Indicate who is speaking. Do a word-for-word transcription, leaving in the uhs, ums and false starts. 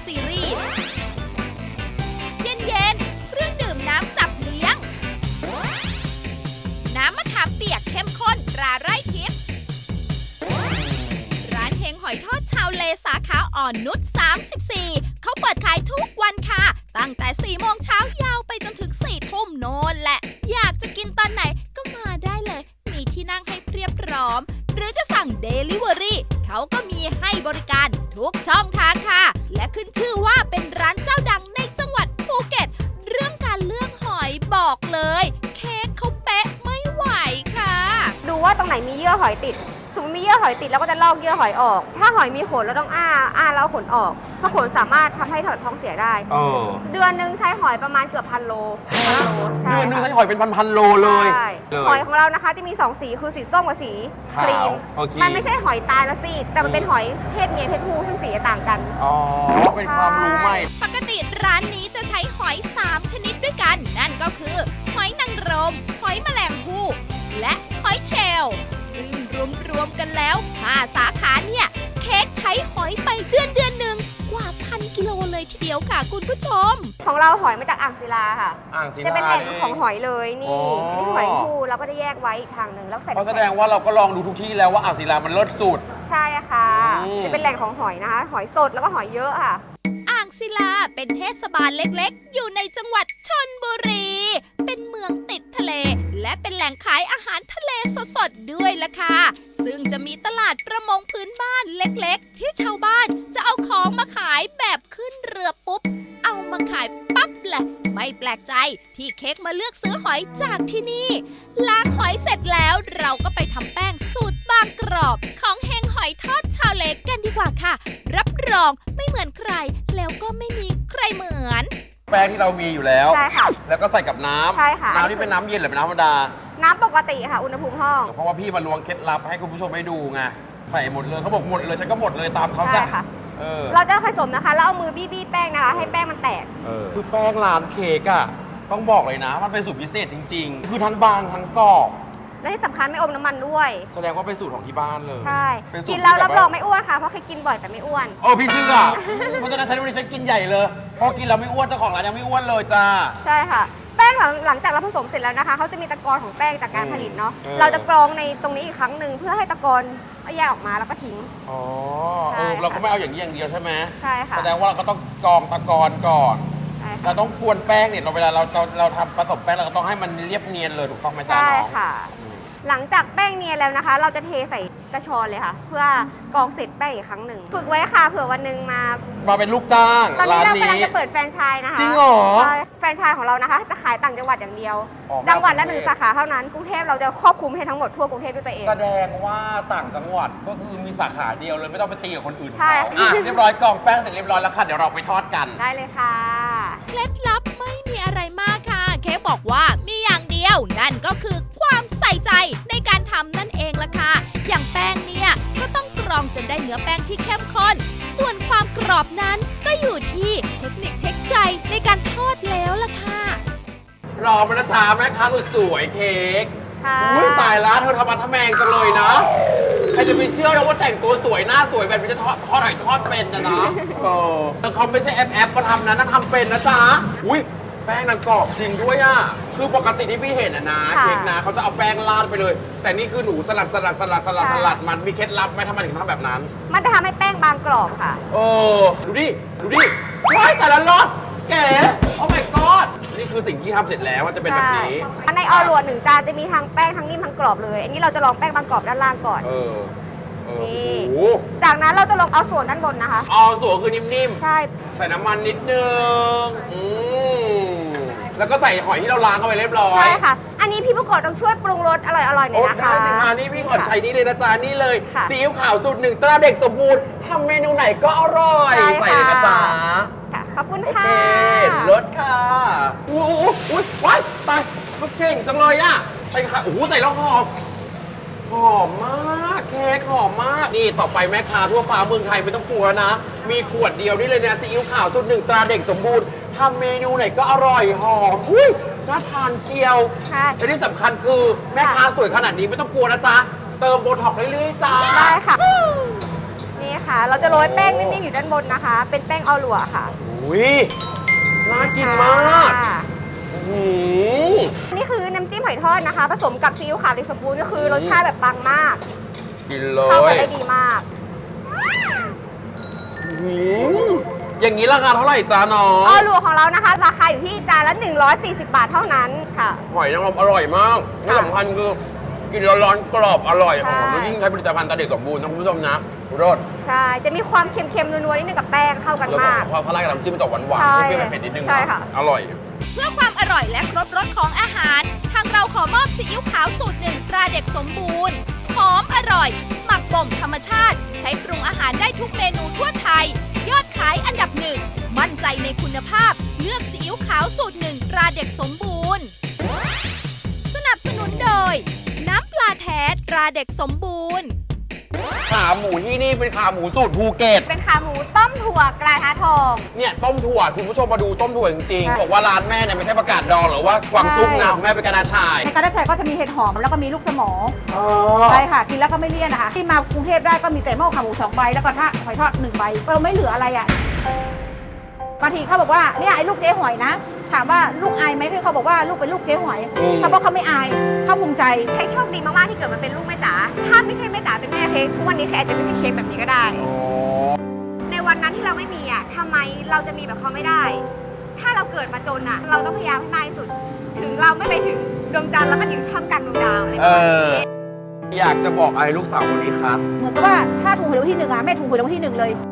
Speaker 1: ซีรีส์เย็นๆเครื่องดื่มน้ำจับเลี้ยงน้ำมะขามเปียกเข้มข้นตราไร่ทิพย์ร้านเฮงหอยทอดชาวเลสาขาอ่อนนุชสามสิบสี่เขาเปิดขายทุกวันค่ะตั้งแต่สี่โมงเช้ายาวไปจนถึงสี่ทุ่มโน่นแหละอยากจะกินตอนไหนก็มาได้เลยมีที่นั่งให้เพียบพร้อมหรือจะสั่ง Delivery เขาก็มีให้บริการทุกช่องทางค่ะและขึ้นชื่อว่าเป็นร้านเจ้าดังในจังหวัดภูเก็ตเรื่องการเลือกหอยบอกเลยเค้กเขาเป๊ะไม่ไหวค่ะ
Speaker 2: ดูว่าตรงไหนมีเยื่อหอยติดสมมติมีเยื่อหอยติดเราก็จะลอกเยื่อหอยออก ถ้าหอยมีขนเราต้องอ้าอ้าแล้วเอาขนออกเพราะขนสามารถทำให้ถอดท้องเสียได้
Speaker 3: เออ
Speaker 2: เดือนหนึงใช้หอยประมาณเกือบพันโลพันโลใช่
Speaker 3: เดือนนึง
Speaker 2: ค่ะ
Speaker 3: ใช้หอยเป็นพันๆโลเลย
Speaker 2: ใช่
Speaker 3: เลย
Speaker 2: หอยของเรานะคะจะมีสองสีคือสีส้มกับสีครีม
Speaker 3: ขาวโอเค
Speaker 2: มันไม่ใช่หอยตายละสิแต่มันเป็นหอยเพศเมียเพศผู้ซึ่งสีจะต่างกัน
Speaker 3: อ๋อ เป็นความรู้ใหม่
Speaker 1: ปกติร้านนี้จะใช้หอยสามชนิดด้วยกัน นั่นก็คือหอยนางรมหอยแมลงภู่และหอยเชลล์ซึ่งรวมๆกันแล้วห้าสาขาเนี่ยเค้กใช้หอยไปเดือนเดือนหนึ่งกว่าพันกิโลเลยทีเดียวค่ะคุณผู้ชม
Speaker 2: ของเราหอยมาจากอ่างศิลาค่ะ
Speaker 3: อ่างศิลา
Speaker 2: จะเป็นแหล่ง
Speaker 3: นี่
Speaker 2: ของหอยเลย
Speaker 3: อ๋
Speaker 2: นี่
Speaker 3: อ
Speaker 2: อันนี้หอยภูเราก็จะแยกไว้อีกทางหนึ่งแล้วใส่
Speaker 3: เพราะแสดงว่าเราก็ลองดูทุกที่แล้วว่าอ่างศิลามันเลิศสุด
Speaker 2: ใช่ค่ะ
Speaker 3: อืม
Speaker 2: จะเป็นแหล่งของหอยนะคะ หอยสดแล้วก็หอยเยอะค่ะ
Speaker 1: อ่างศิลาเป็นเทศบาลเล็กๆ อยู่ในจังหวัดชลบุรี เป็นเมืองติดทะเล และเป็นแหล่งขายอาหารทะเลสดๆ ด้วยล่ะค่ะ ซึ่งจะมีตลาดประมงพื้นบ้านเล็กๆ ที่ชาวบ้านจะเอาของมาขายแบบขึ้นเรือปุ๊บ เอามาขายปั๊บแหละ ไม่แปลกใจที่เค้กมาเลือกซื้อหอยจากที่นี่ ล้างหอยเสร็จแล้วเราก็ไปทำแป้งสูตรบางกรอบของเฮงหอยทอดชาวเลกันดีกว่าค่ะ รับรองไม่เหมือนใคร แล้วก็ไม่มีใครเหมือน
Speaker 3: แป้งที่เรามีอยู่แล้ว
Speaker 2: ใช่ค่ะ
Speaker 3: แล้วก็ใส่กับน้ำ
Speaker 2: ใช่ค่ะ
Speaker 3: น้ำนี่เป็นน้ำเย็นหรือเป็นน้ำธรรมดา
Speaker 2: น้ำปกติค่ะ อุณหภูมิห้อง
Speaker 3: เพราะว่าพี่มาลวงเคล็ดลับให้คุณผู้ชมได้ดูไง ใส่หมดเลยเขาบอกหมดเลยฉันก็หมดเลยตามเขา
Speaker 2: ใช่
Speaker 3: จ้ะ
Speaker 2: ค่ะ
Speaker 3: เออ
Speaker 2: เราจะผสมนะคะ แล้วเอามือบี้ๆแป้งนะคะ ให้แป้งมันแตก
Speaker 3: เออคือแป้งร้านเค้กอะต้องบอกเลยนะ มันเป็นสูตรพิเศษจริง ๆ คือทั้งบางทั้งกรอบ
Speaker 2: และที่สำคัญไม่อมน้ำมันด้วย
Speaker 3: แสดงว่าเป็นสูตรของที่บ้านเลย
Speaker 2: ใช่
Speaker 3: เป็นสูตร
Speaker 2: กินแล้ว
Speaker 3: ที่
Speaker 2: รับ
Speaker 3: แ
Speaker 2: รองไม่อ้วนค่ะ เพราะเคยกินบ่อยแต่ไม่อ้วน
Speaker 3: โอ้พี่เชื่อ เพราะฉะนั้นฉันวันนี้ฉันกินใหญ่เลยเพราะกินแล้วไม่อ้วนเจ้าของร้านยังไม่อ้วนเลยจ้า
Speaker 2: ใช่ค่ะ แป้งหลังหลังจากเราผสมเสร็จแล้วนะคะ เขาจะมีตะกอนของแป้งจากการผลิตเนาะ
Speaker 3: เออ
Speaker 2: เราจะกรองในตรงนี้อีกครั้งหนึ่งเพื่อให้ตะกอนแยกออกมาแล้วก็ทิ้ง
Speaker 3: อ๋อ
Speaker 2: ใช่
Speaker 3: เออ
Speaker 2: ค่ะ
Speaker 3: เราก็ไม่เอาอย่างนี้อย่างเดียวใช่ไหม
Speaker 2: ใช่ค่ะ
Speaker 3: แสดงว่าเราก็ต้องกรองตะกอนก่อน
Speaker 2: ใช่
Speaker 3: เรา
Speaker 2: ค่ะ
Speaker 3: ต้องกวนแป้งเนี่ยเราเวลาเราเราเราทำผสมแป้งเราก็ต้องให้มันเรียบเนียนเลยถูกต้องไหมจ๊ะ
Speaker 2: ใช่
Speaker 3: น้อง
Speaker 2: ค่ะ
Speaker 3: อืม
Speaker 2: หลังจากแป้งเนียนแล้วนะคะ เราจะเทใส่กระชอนเลยค่ะ เพื่อกรองเสร็จแป้งอีกครั้งหนึ่งฝึกไว้ค่ะเผื่อวันหนึ่งมา
Speaker 3: มาเป็นลูกจ้าง
Speaker 2: ตอนนี้
Speaker 3: ร้าน
Speaker 2: เรา
Speaker 3: นี้
Speaker 2: กำลังจะเปิดแฟรนไชส์นะคะ
Speaker 3: จริงเหรอ
Speaker 2: ใช่แฟรนไชส์ของเรานะคะ จะขายต่างจังหวัดอย่างเดียว
Speaker 3: อ๋อ
Speaker 2: จังหวัดละ
Speaker 3: ก
Speaker 2: ห
Speaker 3: รุงเทพ
Speaker 2: นึ่งสาขาเท่านั้นกรุงเทพเราจะครอบคลุมให้ทั้งหมดทั่วกรุงเทพด้วยตัวเอง
Speaker 3: แสดงว่าต่างจังหวัดก็คือมีสาขาเดียวเลยไม่ต้องไปตีกับคนอื่น
Speaker 2: ใช่
Speaker 3: เขา
Speaker 2: ค่ะ
Speaker 3: อ่ะเรียบร้อยกรองแป้งเสร็จเรียบร้อยแล้วค่ะเดี๋ยวเราไปทอดกัน
Speaker 2: ได้เลยค่ะ
Speaker 1: เคล็ดลับไม่มีอะไรมากค่ะ เค้กบอกว่ามีอย่างเดียว นั่นก็คือความใส่ใจในการทำนั่นเองล่ะค่ะ อย่างแป้งเนี่ยก็ต้องกรองจนได้เนื้อแป้งที่เข้มข้น ส่วนความกรอบนั้นก็อยู่ที่เทคนิคเทคใจในการทอดแล้วล่ะค่ะ
Speaker 3: รอมานะจ๊ะแม่ค้าสุดสวยเค้ก
Speaker 2: ค่ะ
Speaker 3: อุ้ยตายแล้วเธอทำมาทำแมงจังเลยนะใครจะไปเชื่อนะว่าแต่งตัวสวยหน้าสวยแบบนี้จะทอดทอดหอยทอดเป็นนะนะเออแต่เขาไม่ใช่แอปแอปมาทำนะนั่นทำเป็นนะจ๊ะอุ้ยแป้งนางกรอบจริงด้วยอ่ะคือปกติที่พี่เห็นอะนะ
Speaker 2: ค่ะ
Speaker 3: เค้กนะเขาจะเอาแป้งราดไปเลย แต่นี่คือหนูสลัดสลัดสลัดสลัด
Speaker 2: ค่ะ
Speaker 3: สลัดมันมีเคล็ดลับไหมทำไมถึงทำแบบนั้น
Speaker 2: มันจะทำให้แป้งบางกรอบค่ะ
Speaker 3: เออดูดิดูดิว้ายแต่ละรสแก๋โอ้ my god นี่คือสิ่งที่ทำเสร็จแล้วมันจะเป็นแบบนี้
Speaker 2: ใช่ในออรวดหนึ่งจานจะมีทั้งแป้งทั้งนิ่มทั้งกรอบเลย อันนี้เราจะลองแป้งบางกรอบด้านล่างก่อน
Speaker 3: เออเออ
Speaker 2: นี่
Speaker 3: โอ้โห
Speaker 2: จากนั้นเราจะลงเอาส่วนด้านบนนะคะ
Speaker 3: เอาส่วนคือนิ่ม
Speaker 2: ใช่
Speaker 3: ๆ ใส่น้ำมันนิดนึงอืมแล้วก็ใส่หอยที่เราล้างเข้าไปเรียบร้อย
Speaker 2: ใช่ค่ะ อันนี้พี่ผู้กดต้องช่วยปรุงรสอร่อยๆหน่
Speaker 3: โอ้
Speaker 2: อยนะคะ
Speaker 3: ได้สิคะนี่พี่ขอใช้นี่เลยนะจ๊ะนี่เลย
Speaker 2: ค่ะ
Speaker 3: ซีอิ๊วขาวสูตรหนึ่งตราเด็กสมบูรณ์ทำเมนูไหนก็อร่อย
Speaker 2: ใช่
Speaker 3: ใส่เลยนะจ๊ะ
Speaker 2: ค่ะขอบคุณ
Speaker 3: โอ
Speaker 2: ค่ะ
Speaker 3: เครสค่ะโอ้โหอุ๊ยว้ายตายเขาเก่งจังเลยอ่ะใส่ค่ะโอ้โหใส่แล้วหอม หอมมากเค้กหอมมาก นี่ต่อไปแม่ค้าทั่วฟ้าเมืองไทยไม่ต้องกลัวนะ มีขวดเดียวนี่เลยนะซีอิ๊วขาวสูตรหนึ่งตราเด็กสมบูรณ์ทำเมนูไหนก็อร่อยหอมหุ้ยน่าทานเชียว
Speaker 2: ค่ะ
Speaker 3: และที่สำคัญคือแม่ค้าสวยขนาดนี้ไม่ต้องกลัวนะจ๊ะ เติมโบท็อกซ์เรื่อยๆจ้า
Speaker 2: ได้ค่ะ นี่ค่ะ เราจะโรยแป้งนิ่มๆอยู่ด้านบนนะคะ เป็นแป้งออลัวค่ะ
Speaker 3: อุ้ยน่ากินมาก
Speaker 2: ค่ะ
Speaker 3: อืม
Speaker 2: นี่คือน้ำจิ้มหอยทอดนะคะ ผสมกับซีอิ๊วขาวเด็กสมบูรณ์ก็คือรสชาติแบบปังมาก
Speaker 3: กินเล
Speaker 2: เข้ากัน
Speaker 3: ย
Speaker 2: ได้ดีมาก
Speaker 3: อืมอย่างนี้ราคาเท่าไหร่จ้าน้อ
Speaker 2: ออง ลัวของเรานะคะ ราคาอยู่ที่จานละ หนึ่งร้อยสี่สิบบาทเท่านั้นค่ะ
Speaker 3: หอยนางรมอร่อยมากที่สำคัญคือกินร้อนๆกรอบอร่อย
Speaker 2: ใช่
Speaker 3: หอมแล้วยิ่งใช้ผลิตภัณฑ์ตาเด็กสมบูรณ์นะคุณผู้ชมนะรส
Speaker 2: ใช่ จะมีความเค็มๆนัวๆนิดนึงกับแป้งเข้ากัน
Speaker 3: แล้วก็
Speaker 2: มาก
Speaker 3: พอทลายกับน้ำจิ้มมันจะหวานหวาน
Speaker 2: ใช่
Speaker 3: เปรี้ยวๆเผ็ดๆนิดนึง
Speaker 2: ใช่
Speaker 3: นะ
Speaker 2: ค่ะ
Speaker 3: อร่อย
Speaker 1: เพื่อความอร่อยและครบรสของอาหาร ทางเราขอมอบซีอิ๊วขาวสูตรหนึ่งตราเด็กสมบูรณ์ หอมอร่อย หมักบ่มธรรมชาติ ใช้ปรุงอาหารได้ทุกเมนูทั่วไทย ยอดขายอันดับหนึ่ง มั่นใจในคุณภาพ เลือกซีอิ๊วขาวสูตรหนึ่งตราเด็กสมบูรณ์ สนับสนุนโดย น้ำปลาแท้ตราเด็กสมบูรณ์
Speaker 3: ขาหมูที่นี่เป็นขาหมูสูตรภูเก็ต
Speaker 2: เป็นขาหมูต้มถั่วกระทะทอง
Speaker 3: เนี่ยต้มถั่วคุณผู้ชมมาดูต้มถั่วจริง
Speaker 2: ใช่
Speaker 3: ๆบอกว่าร้านแม่เนี่ยไม่ใช่ประกาศดองหรือว่ากวางตุ้งนะของแม่เป็นกระดาษชาย
Speaker 4: ในกระดาษชายก็จะมีเห็ดหอมแล้วก็มีลูกสมอ
Speaker 3: อ๋อ
Speaker 4: ใช่ค่ะ กินแล้วก็ไม่เลี่ยนนะคะ ที่มากรุงเทพได้ก็มีแต่หม้อขาหมูสองใบแล้วก็ถ้าหอยทอดหนึ่งใบเราไม่เหลืออะไรอ่ะบางทีเขาบอกว่าเนี่ยไอ้ลูกเจ๊หอยนะ ถามว่าลูกอายไหมคือเขาบอกว่าลูกเป็นลูกเจ๊หอยเขาบอกเขาไม่อายเขาภูมิใจ
Speaker 2: เค้กโชคดีมากๆที่เกิดมาเป็นลูกแม่จ๋า ถ้าไม่ใช่แม่จ๋าเป็นแม่เค้กทุกวันนี้เค้กอาจจะไม่ใช่เค้กแบบนี้ก็ได้
Speaker 3: อ๋อ
Speaker 2: ในวันนั้นที่เราไม่มีอ่ะทำไมเราจะมีแบบเขาไม่ได้ ถ้าเราเกิดมาจนอ่ะ เราต้องพยายามให้มากที่สุด ถึงเราไม่ไปถึงดวงจันทร์แล้วก็อยู่ท่ามกลางดวงดาวอะไรประมาณนี้
Speaker 3: อยากจะบอกอะไรลูกสาวคนนี้ครับ
Speaker 4: เหมือนกับว่าถ้าถูกหวยรางวัลที่หนึ่งอ่ะแม่ถูกหวยรางวัลที่หนึ่งเลย